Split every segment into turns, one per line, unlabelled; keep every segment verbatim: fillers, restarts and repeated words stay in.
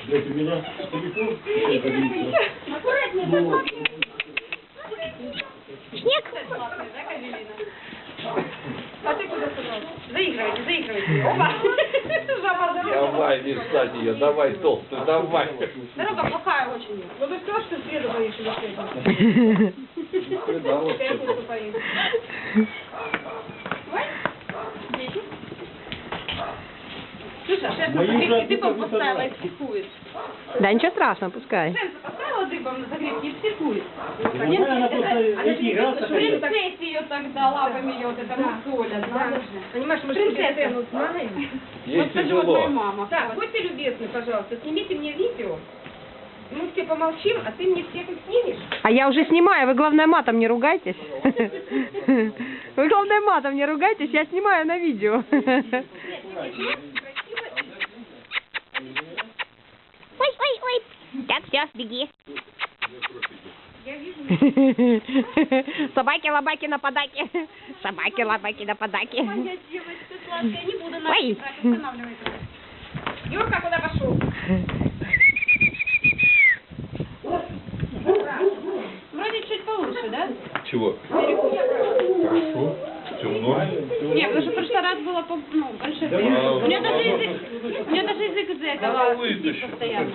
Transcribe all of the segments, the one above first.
Блядь, у меня телефон.
Аккуратнее.
Снег.
А ты куда собрался? Заигрывайте, заигрывайте. Опа! Жаба залезла.
Давай, не встать ее, давай, толстую, давай.
Дорога плохая очень. Вот ты что, что среду боишься за среду?
Да, вот
Я
что-то.
буду поесть. Ой, дети. Слушай, а шеф,
Мои
загребки
уже
дыбом
отпуск
поставила и
оторвать.
психует.
Да ничего страшного, пускай.
Шеф поставила дыбом на загребки и психует.
Ну, она просто эти играться хотела.
Принцессе ее тогда лапами ее вот это мусолят. Надо же. Понимаешь, мы
Принцесса.
сцену знаем.
Ей
Вот так вот моя
тяжело.
мама.
Так, будьте любезны, пожалуйста, снимите мне видео. Мы все помолчим, а ты мне всех их снимешь?
А я уже снимаю, вы главное матом не ругайтесь. Вы главное матом не ругайтесь, я снимаю на видео. Ой, ой, ой. Так, все, беги.
Я вижу.
Собаки-лобаки на подаке. Собаки-лобаки на подаке.
Моя девочка сладкая, не буду
Ой.
нас брать, останавливайся.
Юрка куда пошел?
Вроде чуть получше, да?
Чего? Хорошо. Все в норме.
Нет, потому что в прошлый раз было по, ну, больше.
Да,
у меня даже
да,
язык, у меня даже язык из-за
Давай
этого сидит
вытащу.
постоянно.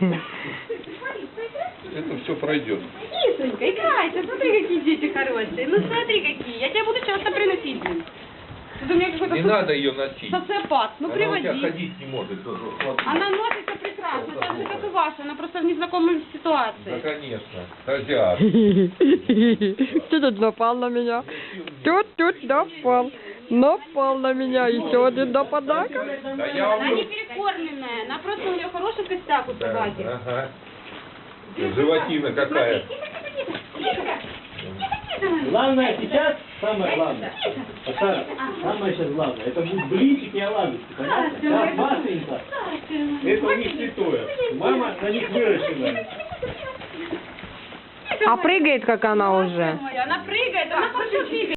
Это все пройдет.
Кисонька, играйте, смотри, какие дети хорошие. Ну смотри, какие. Я тебя буду часто приносить, блин. Тут у меня какой-то
Не
со-
надо ее носить.
социопат. Ну
Она у тебя
приводи.
ходить не может. тоже, смотри.
Она носится прекрасно, так же, как и ваша. Она просто в незнакомой
Да,
ситуации.
конечно. Азиат.
Ты тут напал на меня. Тут, тут напал. Напал на меня. Еще один нападак.
Да я
Она не
вам...
перекормленная. Она просто у нее хороший костяк у
Да,
собаки.
ага. Животина какая.
Главное сейчас, самое главное, Сара, самое сейчас главное, это будут блинчики и оладушки, понятно? Сейчас Машенька, это у них святое. Мама на них выращенная.
А прыгает, как она уже.
Она прыгает, она хорошо бегает.